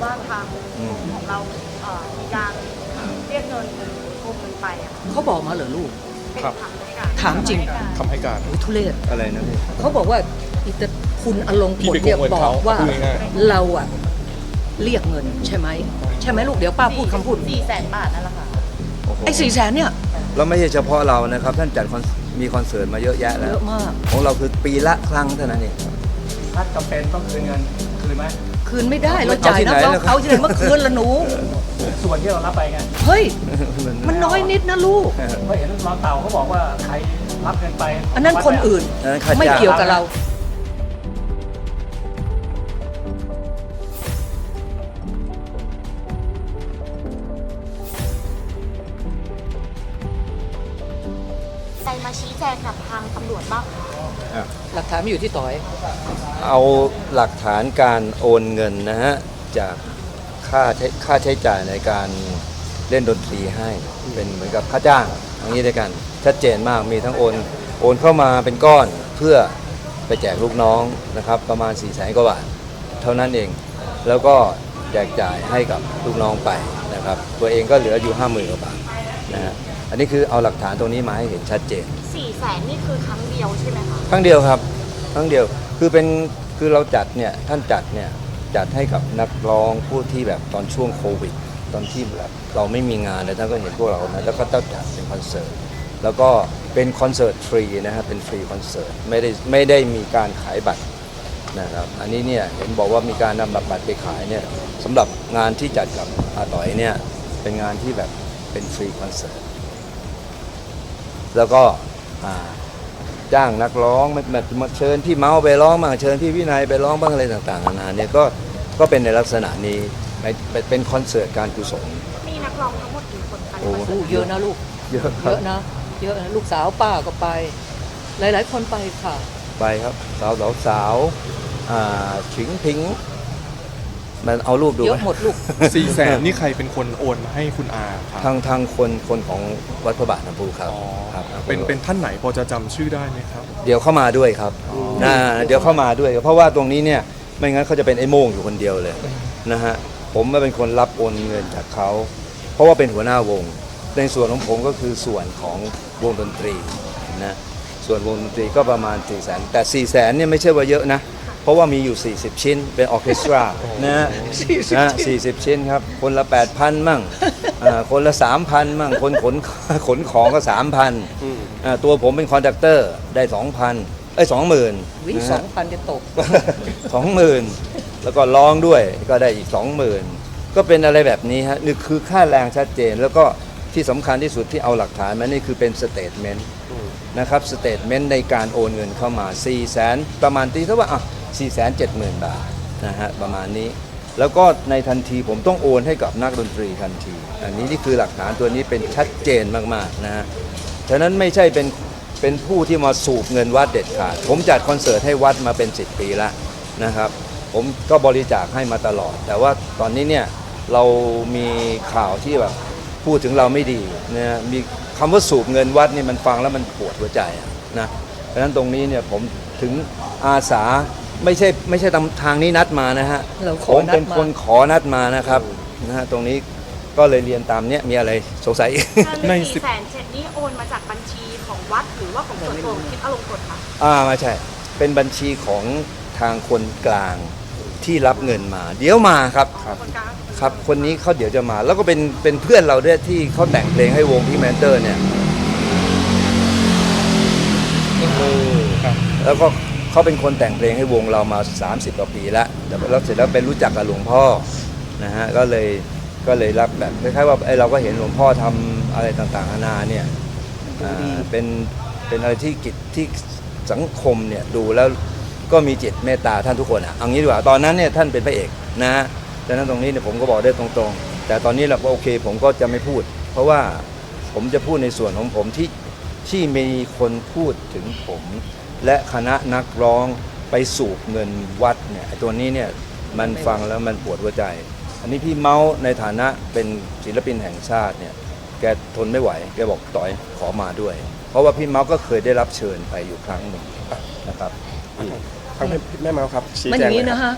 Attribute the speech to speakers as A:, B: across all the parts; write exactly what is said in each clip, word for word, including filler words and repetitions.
A: ว่าทางของเราเอ่อมีการเรียกเงินหรือโกงเงินไปอะ
B: เขาบอกมาเหรอลูก
A: เป็นคำให้การ
B: ถามจริง
C: คำให้การ
B: โอ้ยทุเรศ
D: อะไรนะพี่
B: เขาบอกว่าอิตาคุณอลงกฎ
C: พี่
B: เนี่ย
C: ไปโกงเงิน
B: บอ
C: เขา
B: กว่า
C: พูดง่าย
B: เราอะเรียกเงินใช่ไหมใช่ไหมลูกเดี๋ยวป้าพูดคำพูด
A: สี่แสนบาทนั่นแหละค่ะ
D: โอ้โห
B: ไอ้สี่แสนเนี่ย
D: เราไม่ใช่เฉพาะเรานะครับ ท่านจัดคอนมีคอนเสิร์ตมาเยอะแยะแล้
B: เยว อะมาก
D: ของเราคือปีละครั้งเท่านั้นเอง
E: ถ้าจำเป็นต้องคืนเงินคืนไหม
B: คืนไม่ได้เราจ่ายนะเราเอาที่ไหนเมื่อคืนละหนู
E: ส่วนที่เรารับไปไง
B: เฮ้ยมันน้อยนิดนะลูก
E: เพราะเห็นรองเต่าเขาบอกว่าใครรับเงินไป
B: อันนั้นคนอื่น
D: อันนั้นค่าจ้าง
B: ไม่เกี่ยวกับเรา
A: ใครมาชี้แจงกับทางตำรวจบ้างคะ
D: อ่ะ
B: หลักฐานไม่อยู่ที่ต่อย
D: เอาหลักฐานการโอนเงินนะฮะจากค่าใช้ค่าใช้จ่ายในการเล่นดนตรีให้เป็นเหมือนกับค่าจ้างอย่างนี้ด้วยกันชัดเจนมากมีทั้งโอนโอนเข้ามาเป็นก้อนเพื่อไปแจกลูกน้องนะครับประมาณสี่แสนกว่าบาทเท่านั้นเองแล้วก็แจกจ่ายให้กับลูกน้องไปนะครับตัวเองก็เหลืออยู่ห้าหมื่นกว่าบาทนะฮะอันนี้คือเอาหลักฐานตรงนี้มาให้เห็นชัดเจน
A: สี่แสนนี่คือครั้งเดียวใช่ไหมคะ
D: ครั้งเดียวครับครั้งเดียวคือเป็นคือเราจัดเนี่ยท่านจัดเนี่ยจัดให้กับนักร้องผู้ที่แบบตอนช่วงโควิดตอนที่แบบเราไม่มีงานเลยท่านก็เห็นพวกเรานะแล้วก็ต้องจัดเป็นคอนเสิร์ตแล้วก็เป็นคอนเสิร์ตฟรีนะครับเป็นฟรีคอนเสิร์ตไม่ได้ไม่ได้มีการขายบัตรนะครับอันนี้เนี่ยเห็นบอกว่ามีการนำบัตรไปขายเนี่ยสำหรับงานที่จัดกับอาต่อยเนี่ยเป็นงานที่แบบเป็นฟรีคอนเสิร์ตแล้วก็อ่าจ้างนักร้องแบบมาเชิญพี่เมาไปร้องบ้างเชิญพี่วินัยไปร้องบ้างอะไรต่างๆนานาเนี่ยก็ก็เป็นในลักษณะนี้เป็นคอนเสิร์ตการกุศล
A: มีนักร้องทั้งหมดกี่คนคะ
D: โอ้
B: โอ้เยอะนะลูก
D: เยอะค
B: เย
D: รับ
B: อะนะเยอะนะลูกสาวป้าก็ไป หลาย ๆ คนไปค่ะ
D: ไปครับสาวสาวสาวอ่าฉิงพิงมันเอารูปดู
B: เย
D: ไหม
B: อะหมดลูก
C: สี่แสนนี่ใครเป็นคนโอนมาให้คุณอาครับ
D: ทางทางคนคนของวัดพระบาทน้ำพุครับ
C: อ๋อ
D: ครับ
C: เป็นเป็นท่านไหนพอจะจำชื่อได้ไหมครับ
D: เดี๋ยวเข้ามาด้วยครับนะเดี๋ยวเข้ามาด้วย เพราะว่าตรงนี้เนี่ยไม่งั้นเขาจะเป็นไอ้โม่งอยู่คนเดียวเลยนะฮะผมมาเป็นคนรับโอนเงินจากเขาเพราะว่าเป็นหัวหน้าวงในส่วนของผมก็คือส่วนของวงดนตรีนะส่วนวงดนตรีก็ประมาณสี่แสนแต่สี่แสนเนี่ยไม่ใช่ว่าเยอะนะเพราะว่ามีอยู่สี่สิบชิ้นเป็นออร์เคสตรานะฮะ
B: สี่สิบ
D: นะ
B: ชิ้น
D: สี่สิบชิ้นครับคนละแปดพันมั่งอ่าคนละสามพันมั่งคนขนขนของก็สามพันตัวผมเป็นคอนดักเตอร์ได้สองพันเอ้ยสองหมื่น
B: วิสองพันจะตก
D: สองหมื่นแล้วก็ร้องด้วยก็ได้อีกสองหมื่นก็เป็นอะไรแบบนี้ฮะนี่คือค่าแรงชัดเจน แล้วก็ที่สำคัญที่สุดที่เอาหลักฐานมานี่คือเป็นสเตทเมนต์นะครับสเตทเมนต์ในการโอนเงินเข้ามาสี่แสนประมาณตีเท่าว่าอ่ะสี่แสนเจ็ดหมื่นบาทนะฮะประมาณนี้ แล้วก็ในทันทีผมต้องโอนให้กับนักดนตรีทันทีอันนี้นี่คือหลักฐานตัวนี้เป็นชัดเจนมากๆนะฮะฉะนั้นไม่ใช่เป็นเป็นผู้ที่มาสูบเงินวัดเด็ดขาดผมจัดคอนเสิร์ตให้วัดมาเป็นสิบปีแล้วนะครับผมก็บริจาคให้มาตลอด แต่ว่าตอนนี้เนี่ยเรามีข่าวที่แบบพูดถึงเราไม่ดีนะมีคำว่าสูบเงินวัดนี่มันฟังแล้วมันปวดหัวใจอะนะเพราะฉะนั้นตรงนี้เนี่ยผมถึงอาสาไม่ใช่ไม่ใช่ทางนี้นัดมานะฮะ
B: เราข
D: ผ
B: อ
D: ม
B: นัดมา
D: เป็นคนขอนัดมานะครับนะฮะตรงนี้ก็เลยเรียนตามเนี้ยมีอะไรสงสัยอีก
C: ใน
A: ใน
C: สิ
A: สี่
C: บ
A: แสนเจ็ดนี่โอนมาจากบัญชีของวัดหรือว่าของส่วนตัวของคิดอารมณ์กดค่ะ
D: อ่าไม่ใช่ เป็นบัญชีของทางคนกลางที่รับเงินมา เดี๋ยวมาครับ
A: คนกลาง
D: ครับคนนี้เขาเดี๋ยวจะมา แล้วก็เป็นเป็นเพื่อนเราด้วยที่เขาแต่งเพลงให้วงพี่แมนเตอร์เนี่ย
C: ครับ
D: แล้วก็เขาเป็นคนแต่งเพลงให้วงเรามาสามสิบกว่าปีแล้วแล้วเสร็จแล้วเป็นรู้จักกับหลวงพ่อนะฮะก็เลยก็เลยรับแบบคล้ายๆว่าไอเราก็เห็นหลวงพ่อทำอะไรต่างๆนานาเนี่ยอ่าเป็นเป็นอะไรที่กิจที่สังคมเนี่ยดูแล้วก็มีจิตเมตตาท่านทุกคนอ่ะเอางี้ดีกว่าตอนนั้นเนี่ยท่านเป็นพระเอกนะฮะดังนั้นตรงนี้เนี่ยผมก็บอกได้ตรงๆแต่ตอนนี้เราก็โอเคผมก็จะไม่พูด เพราะว่าผมจะพูดในส่วนของผมที่ที่มีคนพูดถึงผมและคณะนักร้องไปสูบเงินวัดเนี่ยไอ้ตัวนี้เนี่ยมันฟังแล้วมันปวดหัวใจ อันนี้พี่เมาส์ในฐานะเป็นศิลปินแห่งชาติเนี่ยแกทนไม่ไหวแกบอกต่อยขอมาด้วย เพราะว่าพี่เมาส์ก็เคยได้รับเชิญไปอยู่ครั้งหนึ่งนะครับ
C: ทางแม่เมาส์ครับชี้
B: มันอ
C: แจง
B: ย่างนี้
C: เลย
B: นะ
C: ครับ
B: ฮะ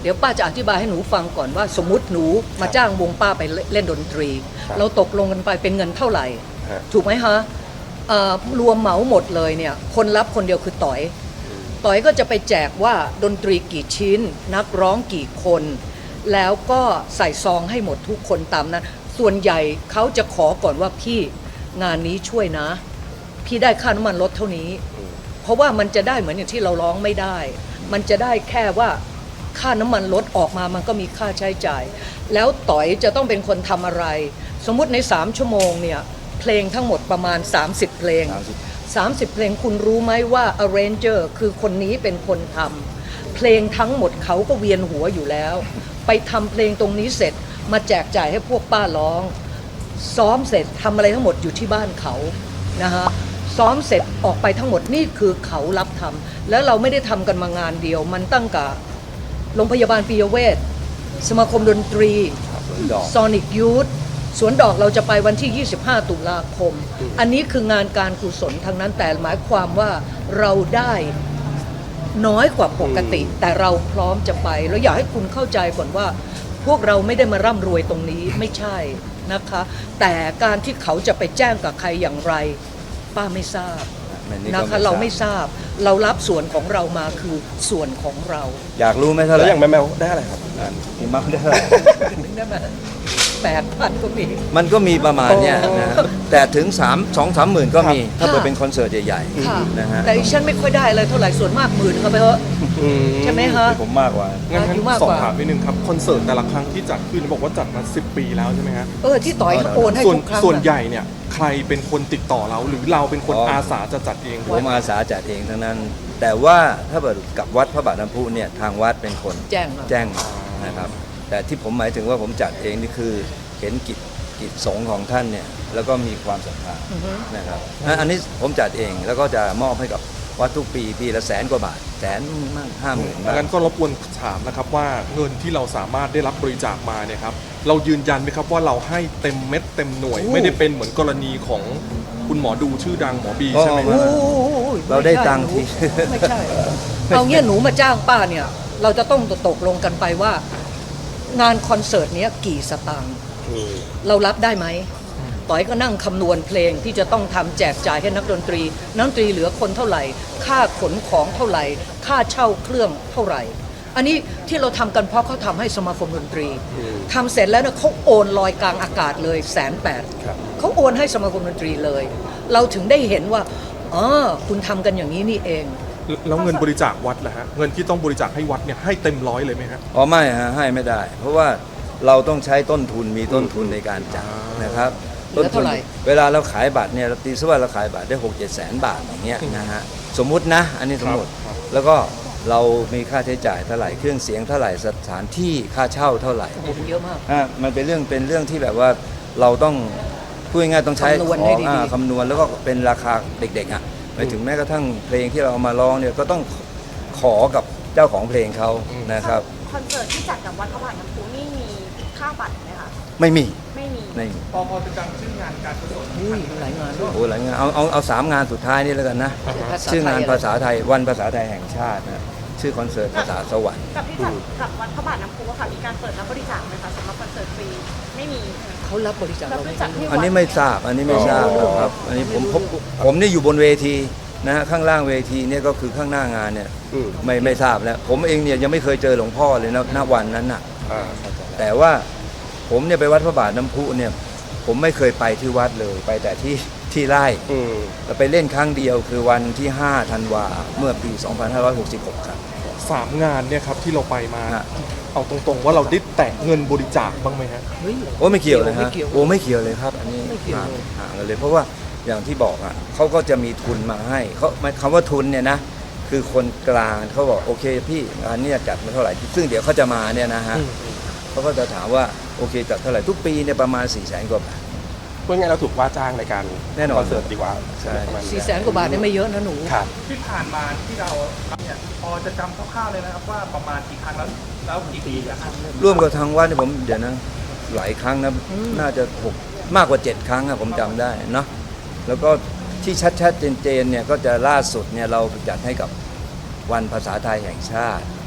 B: เดี๋ยวป้าจะอธิบายให้หนูฟังก่อนว่าสมมุติหนูมาจ้างวงป้าไปเล่นดนตรี
C: ครับ
B: เราตกลงกันไปเป็นเงินเท่าไหร่
C: ฮะ
B: ถูกไหมฮะเอ่อรวมเหมาหมดเลยเนี่ยคนรับคนเดียวคือต่อย ต่อยก็จะไปแจกว่าดนตรีกี่ชิ้น นักร้องกี่คน แล้วก็ใส่ซองให้หมดทุกคนตามนั้น ส่วนใหญ่เขาจะขอก่อนว่าพี่งานนี้ช่วยนะ พี่ได้ค่าน้ำมันลดเท่านี้ เพราะว่ามันจะได้เหมือนอย่างที่เราร้องไม่ได้ มันจะได้แค่ว่าค่าน้ำมันลดออกมามันก็มีค่าใช้จ่าย แล้วต่อยจะต้องเป็นคนทำอะไร สมมุติในสามชั่วโมงเนี่ยเพลงทั้งหมดประมาณสามสิบเพลง สามสิบเพลงคุณรู้ไหมว่า arranger คือคนนี้เป็นคนทำเพลงทั้งหมดเขาก็เวียนหัวอยู่แล้ว ไปทำเพลงตรงนี้เสร็จมาแจกจ่ายให้พวกป้าร้อง ซ้อมเสร็จทำอะไรทั้งหมดอยู่ที่บ้านเขานะฮะซ้อมเสร็จออกไปทั้งหมดนี่คือเขารับทำแล้วเราไม่ได้ทำกันมางานเดียว มันตั้งกับโรงพยาบาลปิยเวชสมาคมดนตรี
D: ดอก
B: ซอนิกยูทสวนดอกเราจะไปวันที่ ยี่สิบห้า ตุลาคม อันนี้คืองานการกุศลทางนั้นแต่หมายความว่าเราได้น้อยกว่าปกติ แต่เราพร้อมจะไป แล้วอยากให้คุณเข้าใจก่อนว่า พวกเราไม่ได้มาร่ำรวยตรงนี้ไม่ใช่นะคะ แต่การที่เขาจะไปแจ้งกับใครอย่างไร ป้าไม่ทราบ
D: อันนี้ก็
B: นะคะ
D: ไม่ทราบ
B: เราไม่ทราบ เรารับส่วนของเรามาคือส่วนของเรา
D: อยากรู้ไหมเท่าไห
C: แล้ว
D: ร่
C: อย่างแมวแมวได้อะไรครับ
D: อ่าพี่มักได้เท่าไหร่
B: ได้ไหมแปดพันก็มี
D: มันก็มีประมาณเนี้ยนะแต่ถึง3 2 3หมื่นก็มี ถ้า
B: ค่ะ
D: เปิดเป็นคอนเสิร์ตใหญ่
B: ค่ะ
D: ๆนะฮะ
B: แต่ดิฉันไม่ค่อยได้เลยเท่าไหร่ส่วนมากหมื่นเข้าไปเถอะ ใช่ไหมคะ
D: ผมมากกว่า
C: งั้นงั้น
B: อายุมาก
C: สอก บ
B: ว่า
C: ถามนิดนึงครับคอนเสิร์ตแต่ละครั้งที่จัดขึ้นบอกว่าจัดมาสิบปีแล้วใช่ไหมฮะ
B: เออที่ต่อยเขาโอนให้
C: ส่วน
B: ทุกครั้ง
C: ส่วน
B: อะ
C: ใหญ่เนี่ยใครเป็นคนติดต่อเราหรือเราเป็นคน
D: อ๋ออ
C: อาสาจะจัดเอง
D: ผมอาสาจัดเองทั้งนั้น แต่ว่าถ้าเปิดกับวัดพระบาทน้ำพุเนี่ยทางวัดเป็นคน
B: แจ้งมา
D: แจ้งมานะครับ แต่ที่ผมหมายถึงว่าผมจัดเองนี่คือเห็นกิจกิจสงฆ์ของท่านเนี่ยแล้วก็มีความศรัทธา
B: อือฮึ
D: นะครับอันอันนี้ผมจัดเองแล้วก็จะมอบให้กับวัดทุกปีปีละแสนกว่าบาทแสนมั่งห้าหมื่นบาท
C: งั้นก็รบกวนถามนะครับว่าเงินที่เราสามารถได้รับบริจาคมาเนี่ยครับเรายืนยันไหมครับว่าเราให้เต็มเม็ดเต็มหน่วย
B: โอ้
C: ไม่ได้เป็นเหมือนกรณีของคุณหมอดูชื่อดังหมอบีใช่ไหม
D: โอ้
C: ฮะ
B: โอ้ย
D: เราได้ตังค์
B: ม่
D: ที
B: ใช่หนูไม่ใช่ เอาเงี้ยหนูมาจ้างป้าเนี่ย เราจะต้องตกลงกันไปว่า งานคอนเสิร์ตเนี้ยกี่สตางค์เรารับได้ไหมต่อยก็นั่งคำนวณเพลงที่จะต้องทำแจกจ่ายให้นักดนตรีนักดนตรีเหลือคนเท่าไหร่ ค่าขนของเท่าไหร่ ค่าเช่าเครื่องเท่าไหร่ อันนี้ที่เราทำกันเพราะเขาทำให้สมาคมดนตรีทำเสร็จแล้วเนี่ยเขาโอนลอยกลางอากาศเลยแสนแปด
C: ครับ
B: เขาโอนให้สมาคมดนตรีเลย เราถึงได้เห็นว่าอ๋อคุณทำกันอย่างนี้นี่เอง
C: แล้วเงินบริจาควัดล่ะฮะเงินที่ต้องบริจาคให้วัดเนี่ยให้เต็มร้อยเลยไหมฮะ
D: อ๋อไม่ฮะให้ไม่ได้ เพราะว่าเราต้องใช้ต้นทุนมีต้นทุนในการจัด
C: อ่าน
D: นะครับ
B: เหลือเท่าไหร่
D: เวลาเราขายบัตรเนี่ยเราตีซะว่าเราขายบัตรได้หกเจ็ดแสนบาทอย่างเงี้ยนะฮะสมมุตินะ อันนี้สมมติ
C: ครับ
D: แล้วก็เรามีค่าใช้จ่ายเท่าไหร่เครื่องเสียงเท่าไหร่สถานที่ค่าเช่าเท่าไหร่
B: โอ้โหเยอะมาก
D: อ่ะมันเป็นเรื่องเป็นเรื่องที่แบบว่าเราต้องพูดง่ายๆต้องใช้
B: คำนวณ
D: ข
B: ให้
D: อง
B: ดีๆ
D: อ่าคำนวณแล้วก็เป็นราคาเด็กๆอ่ะไปถึงแม้กระทั่งเพลงที่เราเอามาร้องเนี่ยก็ต้องขอกับเจ้าของเพลงเขานะครับ
A: คอนเสิร์ตที่จัดกับวัดพระบาทน้ำพุนี่มีค่าบัตรไหมคะ
D: ไม่มี
A: ไม่มี
D: ไม่มี
C: พอพอจะจำชื่องานการกุศล
B: อุ้ยหลายงานด้วย
D: โอ้หลายงานเอาเอาเอาสามงานสุดท้ายนี่แล้วกันนะ
B: ภาษา
D: ชื่องาน
B: ไทยอะไร
D: ภาษาไทยวันภาษาไทยแห่งชาตินะชื่อคอนเสิร์ตภาษาสวรรค์
A: กับที่จัดกับวัดพระบาทน้ำพุอะค่ะมีการเปิดรับบริจาคไหมคะสำหรับคอนเสิร์ตฟรีไม่มี
B: เขารับบริจาค
A: รั
B: เรา
A: บบ
B: ไม่
A: ริจาค
B: มี
A: ที่
D: อันนี้ไม่ทราบอันนี้ไม่ทราบครับอันนี้ผมผมผมนี่อยู่บนเวทีนะฮะข้างล่างเวทีเนี่ยก็คือข้างหน้างานเนี่ยไม่ไม่ทราบแล้วผมเองเนี่ยยังไม่เคยเจอหลวงพ่อเลยนะณวันนั้นน่ะ
C: อ่าเข้าใจ
D: แต่ว่าผมเนี่ยไปวัดพระบาทน้ำพุเนี่ยผมไม่เคยไปที่วัดเลยไปแต่ที่ที่ไร่
C: อืม
D: เราไปเล่นครั้งเดียวคือวันที่ห้าธันวาเมื่อปี สองพันห้าร้อยหกสิบหก ครับ
C: สามงานเนี่ยครับที่เราไปมา
D: ฮะ
C: เอาตรงๆว่าเราได้แตะเงินบริจาคบ้างไหมฮะ
B: เฮ้ย
D: โอ้ไม่เกี่ยวเลย
B: ไม่
D: ฮะ
B: เกี่ยว
D: โอ้ไม่เกี่ยวเลยครับ อันนี้
B: ไม่เกี่ยว
D: ห่าง
B: เลย
D: ห่างกันเลยเพราะว่าอย่างที่บอกอ่ะเขาก็จะมีทุนมาให้เขาหมายคำว่าทุนเนี่ยนะคือคนกลางเขาบอกโอเคพี่งานเนี้จัดมาเท่าไหร่ซึ่งเดี๋ยวเขาจะมาเนี่ยนะฮะเขาก็จะถามว่าโอเคจัดเท่าไหร่ทุกปีเนี่ยประมาณ4ี่แสนกว่าบาท
F: พูดง่ายๆเราถูกว่าจ้างในการ
D: แน่นอน
F: คอนเสิร์ตดีกว่า
D: ใช่
F: ประมาณ
B: สี่แสนกว่าบาทเนี่ยไม่เยอะนะหนู
F: ครับ
E: ที่ผ่านมาที่เราเนี่ยพอจะจำคร่าวๆเลยนะครับว่าประมาณกี่ครั้งแล้วแล้วกี่ปีอะครับ
D: ร่วมกับทางวัดเนี่ยผมเดี๋ยวนะหลายครั้งนะน่าจะหกมากกว่าเจ็ดครั้งอะผมจำได้เนาะแล้วก็ที่ชัดๆเจนๆเนี่ยก็จะล่าสุดเนี่ยเราจัดให้กับวันภาษาไทยแห่งชาติ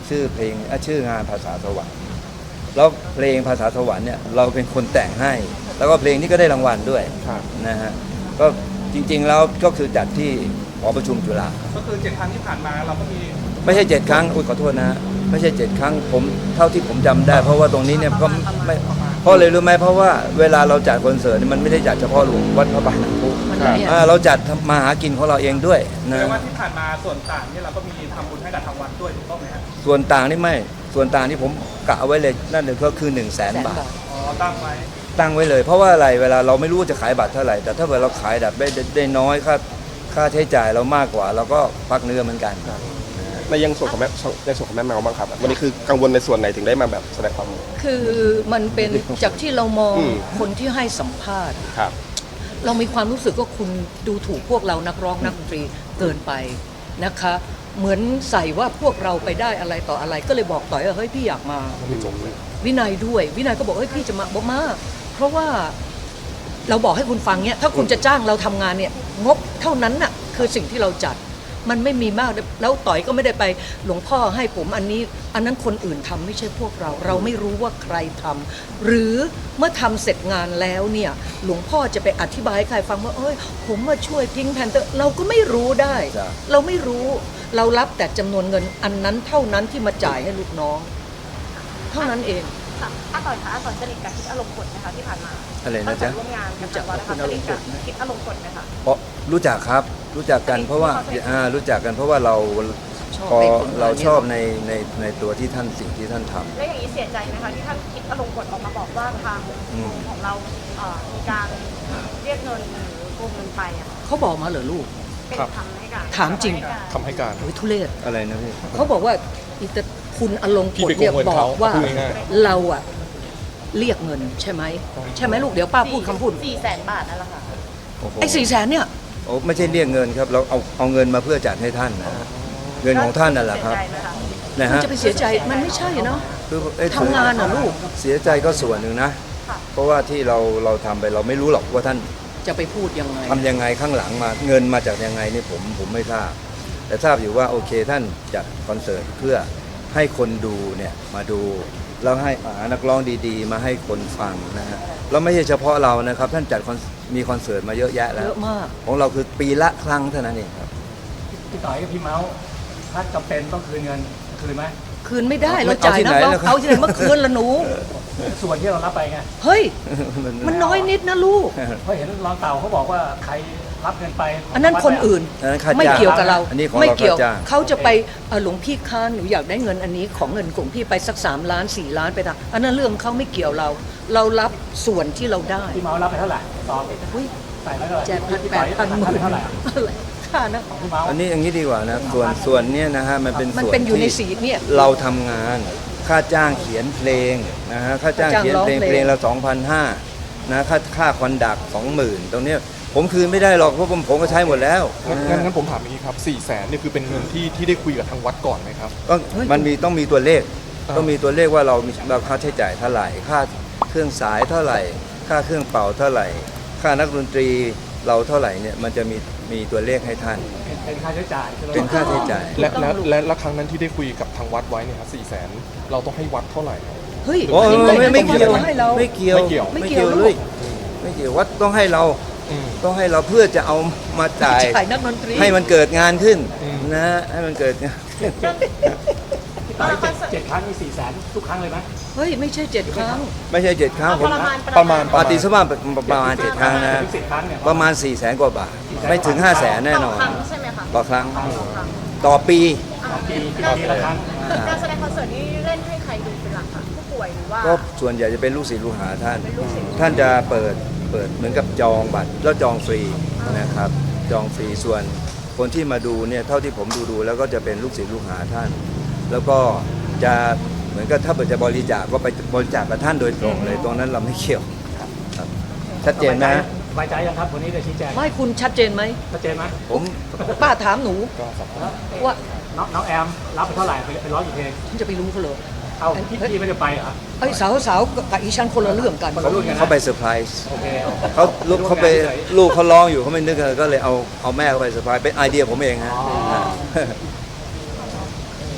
D: ชื่อเพลงอ่ะชื่องานภาษาสวรรค์แล้วเพลงภาษาสวรรค์เนี่ยเราเป็นคนแต่งให้ แล้วก็เพลงนี้ก็ได้รางวัลด้วย
C: ครับ
D: นะฮะก็จริงๆแล้วก็คือจัดที่หอประชุมจุฬา
E: ก็คือเจ็ดครั้งที่ผ่านมาเราก็มี
D: ไม่ใช่เจ็ดครั้งอุ้ยขอโทษนะฮะไม่ใช่เจ็ดครั้งผมเท่าที่ผมจำได้ เพราะว่าตรงนี้เนี่ยก็ไม่เพราะเลยรู้ไหมเพราะว่าเวลาเราจัดคอนเสิร์ตเนี่ยมันไม่ได้จัดเฉพาะหลวงวัดพระบาทน้ำพุ
B: มันเนี่ย
D: อ่าเราจัดมาหากินของเราเองด้วย
E: แปล
D: นะ
E: ว่าที่ผ่านมาส่วนต่างเนี่ยเราก็มีทำบุญให้กับทางวัดด้วยถูกต้องไหมฮะ
D: ส่วนต่างนี่ไม่ส่วนต่างที่ผมกะเอาไว้เลยนั่นเลยก็คือ1นึ่งแสน
B: แสน
D: บาท
B: บาท
E: อ๋อตั้งไว้
D: ตั้งไว้เลย เพราะว่าอะไรเวลาเราไม่รู้ว่าจะขายบัตรเท่าไหร่แต่ถ้าเกิดเราขายแบบได้ได้น้อยค่าค่าใช้จ่ายเรามากกว่าเราก็พักเนื้อเหมือนกัน
F: ในยังส่วนของแม่ในส่วนของแม่แมวบ้างครับ วันนี้คือกังวลในส่วนไหนถึงได้มาแบบแสดงความ
B: คือมันเป็นจากที่เรามอง
F: อืม
B: คนที่ให้สัมภาษณ์
F: ครับ
B: เรามีความรู้สึกว่าคุณดูถูกพวกเรานักร้องนักดนตรีเกินไปนะคะ เหมือนใส่ว่าพวกเราไปได้อะไรต่ออะไร ก็เลยบอกต่อยว่าเฮ้ยพี่อยากมา วินัยด้วยวินัยก็บอกเฮ้ยพี่จะมาบอกมาเพราะว่าเราบอกให้คุณฟังเนี่ยถ้าคุณจะจ้างเราทำงานเนี่ยงบเท่านั้นน่ะคือสิ่งที่เราจัดมันไม่มีมากแล้วต่อยก็ไม่ได้ไปหลวงพ่อให้ผมอันนี้อันนั้นคนอื่นทำไม่ใช่พวกเรา เราไม่รู้ว่าใครทำหรือเมื่อทำเสร็จงานแล้วเนี่ยหลวงพ่อจะไปอธิบายให้ใครฟังว่าเอ้ยผมมาช่วยพิงแพนเตอร์เราก็ไม่รู้ได้
D: จ้ะ
B: เราไม่รู้เรารับแต่จำนวนเงินอันนั้นเท่านั้นที่มาจ่ายให้ลูกน้อง เท่านั้นเอง
A: ค่ะอาต่อยคะอาต่อยสนิทกับคิดอารมณ์กดไหมคะที่ผ่านมา
D: อะไรนะ
A: ตั้งแต่
D: จ๊ะ
A: ร่วมงานกับทางวัดนะคะสนิทกับคิดอารมณ์กดไหมคะ
D: เพราะรู้จักครับรู้จักกันเพราะว่าอ่ารู้จักกันเพราะว่าเรา
B: ชอบ
D: พอ
B: ในผลงาน
D: เราชอบ
B: เนี่ย
D: ในในในตัวที่ท่านสิ่งที่ท่านทำ
A: แล้วอย่างนี้เสียใจไหมคะที่ท่านคิดอารมณ์กดออกมาบอกว่าทาง
D: อืม
A: ของเราเอ่อมีการเรียกเงินหรือโกงเงินไปอ่ะ
B: เขาบอกมาเหรอลูก
A: เป็น
C: ครับ
A: คำให้การ
B: ถามจริง
C: คำให้การ
B: โอ้ยทุเรศ
D: อะไรนะพี่
B: เขาบอกว่าอีตาคุณอลง
C: พี่
B: กฎ
C: ไปโกง
B: เนี่ย
C: เงิน
B: บอ
C: เขา
B: กว่า
C: พูดง่าย
B: เราอะเรียกเงินใช่ไหมใช่ไหมลูกเดี๋ยวป้าพูดคำพูด
A: สี่แสนบาทนั่นแหละค่ะ
D: โอ้โห
B: ไอ้สี่แสนเนี่ย
D: โอ้ไม่ใช่เรียกเงินครับเราเอาเอาเงินมาเพื่อจัดให้ท่านนะเงินของท่านนั่นแหละครับ
A: เสียใจไหมคะ
D: นะ
B: มัน
D: ฮะ
B: จะไปเสียใจมันไม่ใช่เนาะ
D: คือเอ้ย
B: ทำงานเหรอลูก
D: เสียใจก็ส่วนหนึ่งนะ
A: ค่ะ
D: เพราะว่าที่เราเราทำไปเราไม่รู้หรอกว่าท่าน
B: จะไปพูดยังไง
D: ทำยังไงข้างหลังมาเงินมาจากยังไงนี่ผมผมไม่ทราบ แต่ทราบอยู่ว่าโอเคท่านจัดคอนเสิร์ตเพื่อให้คนดูเนี่ยมาดูแล้วให้หานักร้องดีๆ มาให้คนฟังนะฮะแล้วไม่ใช่เฉพาะเรานะครับท่านจัดคอนมีคอนเสิร์ตมาเยอะแยะแล้
B: เยว อะมาก
D: ของเราคือปีละครั้งเท่านั้นเองครับ
E: พี่ต่อยกับพี่เมาส์ถ้าจำเป็นต้องคืนเงินคืนไหม
B: คืนไม่ได้
D: เอา
B: เราจ่าย
D: ที่
B: นั
D: ไห
B: ก
D: น
B: ร้อง
D: ล่ะครับ
B: เอาที่ไหนเมื่อคืนละหนู
E: ส่วนที่เรารับไปไง
B: เฮ้ย มันน้อยนิดนะลูก
E: เพราะเห็นรองเต่าเขาบอกว่าใครรับเงินไป
B: อันนั้นคนอื่น
D: อันนั้นค่าจ้าง
B: ไม่เกี่ยวกับเรา
D: อันนี้ของเรา
B: ไม่เกี่ยว
D: ค่าจ้าง
B: เขาจะไปเอ่อหลวงพี่ค้าหนูอยากได้เงินอันนี้ของเงินของพี่ไปสักสามล้านสี่ล้านไปทำอันนั้นเรื่องเขาไม่เกี่ยวเรา เรารับส่วนที่เราได้
E: พี่เมาส์รับไปเท่าไหร่ตอบ
B: อุ้ย
E: ใส่ไว้เท่าไหร่
B: แจกพัน
E: พี่
B: แป
E: ต่อ
B: ด
E: ย
B: พันหมื่น
E: เท่าไหร่
B: อะไรค่านะ
E: ของพี่เมาส์
D: อันนี้อย่างนี้ดีกว่านะส่วนส่วนเนี้ยนะฮะมันเป็น
B: มัน
D: ส่วน
B: เป็นอยู่ใน
D: ที่
B: สีเนี่ย
D: เราทำงานค่าจ้างเขียนเพลงนะฮะค่าจ้าง
B: ค่าจ้าง
D: เขียนเพลง
B: ร้องเพลง
D: เพลงละสองพันห้านะค่าค่าคอนดักสองหมื่นตรงเนี้ยผมคืนไม่ได้หรอกเพราะผมผมก็ใช้หมดแล้ว
C: ๆงั้นงั้นงั้นผมถามอย่างนี้ครับสี่แสนเนี่ยคือเป็นเงินที่ที่ได้คุยกับทางวัดก่อนไหมครับ
D: ก็มันมีต้องมีตัวเลข
C: อ่า
D: ต้องมีตัวเลขว่าเรามีเราค่าใช้จ่ายเท่าไหร่ ค่าเครื่องสายเท่าไหร่ ค่าเครื่องเป่าเท่าไหร่ ค่านักดนตรีเราเท่าไหร่เนี่ยมันจะมีมีตัวเลขให้ท่าน
E: เป็นเป็นค่าใช้จ่ายใช่ไหม
D: เป็นค่าใช้จ่าย
C: และและและและครั้งนั้นที่ได้คุยกับทางวัดไว้เนี่ยครับสี่แสนเราต้องให้วัดเท่าไหร่ครับ
B: เฮ้ย
D: โอ้ย
B: ไม่
D: ไม่ไม่
B: ไม่
D: เกี่ยว
B: ให้เรา
D: ไม่เกี่ยว
C: ไม่เกี่ยว
B: ไม่เกี่ยว
D: เลยไม่เกี่ยววัดต้องให้เรา
C: อืม
D: ต้องให้เราเพื่อจะเอามาจ่าย
B: จ่ายนักดนตรี
D: ให้มันเกิดงานขึ้น
C: อืม
D: นะให้มันเกิดงาน
E: พี่ต่อยเจ็ดเจ็ดครั้งมีสี่แสนทุกครั้งเลยไหม
B: เฮ้ยไม่ใช่เจ็ดครั้ง
D: ไม่ใช่เจ็ดครั้ง
A: เอา
D: ผ
A: ป
D: ม
A: ระมาณ
C: ประมาณ
D: ปาติสมาประมาณเจ็ดครั้งนะ
E: ถึงสิบครั้งเนี่ย
D: ประมาณสี่แสนกว่าบาทไม่ถึงห้าแสนแน่นอน
A: ต่อครั้งใช่ไหมคะ
D: ต่อครั้ง
A: ต่อครั้ง
D: ต่อปี
E: ปีปีละครั้ง
A: การแสดงคอนเสิร์ตนี้เล่นให้ใครดูเป็นหลักคะผู้ป่วยหรือว่า
D: ก็ส่วนใหญ่จะเป็นลูกศิษย์ลูกหาท่าน
A: เป็นลูกศิษย์
D: ท่านจะเปิดเปิดเหมือนกับจองบัตรแล้วจองฟรีนะครับ จองฟรีส่วนคนที่มาดูเนี่ยเท่าที่ผมดูดูแล้วก็จะเป็นลูกศิษย์ลูกหาท่าน แล้วก็จะเหมือนกับถ้าเปิดจะบริจาคก็ไปบริจาคกับท่านโดยตรงเลย ตรงนั้นเราไม่เกี่ยวครับชัดเจนนะ
E: สบายใจยังครับวันนี้ได้ชี้แจง
B: ไม่คุณชัดเจนไหม
E: ชัดเจนไหม
D: ผม
B: ป้าถามหนู
C: ก็สามารถ
B: ว่า
E: น้องน้องแอมรับไปเท่าไหร่ไปไปร้องกี่เพลง
B: ฉันจะไปรู้เขาเลย
E: เอาพี่พี่ไม่ได้ไปเหรอ
B: ไอ้สาวสาวกับอีฉันคนละเรื่องกัน
E: คนละรุ่นกันนะ
D: เขาไปเซอร์ไพรส์
E: โอเค
D: เขาลูกเขาไปลูกเขาร้องอยู่เขาไม่นึกเลยก็เลยเอาเอาแม่เขาไปเซอร์ไพรส์เป็นไอเดียผมเองฮะ
E: อ๋อ ได้ได้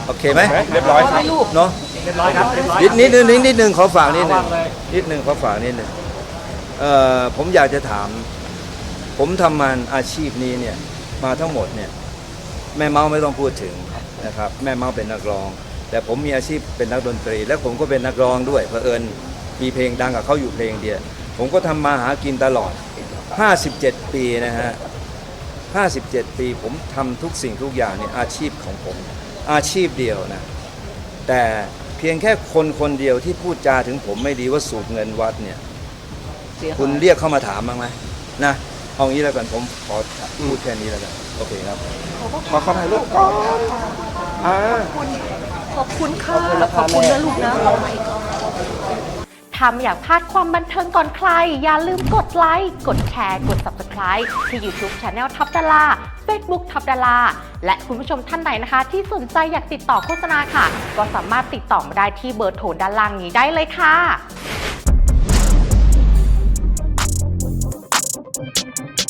D: โอเคไหม
F: เรียบร้อยครับ
D: เนาะ
E: เรียบร้อยครับเรียบร้อย
D: นิดนิดนึงนิดนิดนึงขอฝากนิดนึง
E: วางเลย
D: นิดนึงขอฝากนิดนึงเอ่อผมอยากจะถาม ผมทำมันอาชีพนี้เนี่ยมาทั้งหมดเนี่ยแม่เมาไม่ต้องพูดถึงนะครับแม่เมาเป็นนักร้อง แต่ผมมีอาชีพเป็นนักดนตรี และผมก็เป็นนักร้องด้วยเผอิญมีเพลงดังกับเขาอยู่เพลงเดียวผมก็ทำมาหากินตลอดห้าสิบเจ็ดปีนะฮะห้าสิบเจ็ดปีผมทำทุกสิ่งทุกอย่างเนี่ยอาชีพของผมอาชีพเดียวนะแต่เพียงแค่คนคนเดียวที่พูดจาถึงผมไม่ดีว่าสูบเงินวัดเนี่ย
B: เสียหาย
D: คุณเรียกเข้ามาถามบ้างไหมนะเอางี้แล้วกันผมขอพูดแค่นี้แล้วกันโอเคครับ
F: ขอขอถ่ายรูปก่อนอ่า
B: ขอบคุณค่ะขอบคุณนะลูกนะ
G: ถ้าไม่อยากพลาดความบันเทิงก่อนใคร อย่าลืมกดไลค์ กดแชร์ กด ซับสไครบ์ ที่ YouTube Channel ท็อปดารา Facebook ท็อปดาราและคุณผู้ชมท่านไหนนะคะ ที่สนใจอยากติดต่อโฆษณาค่ะ ก็สามารถติดต่อมาได้ที่เบอร์โทรด้านล่างนี้ได้เลยค่ะ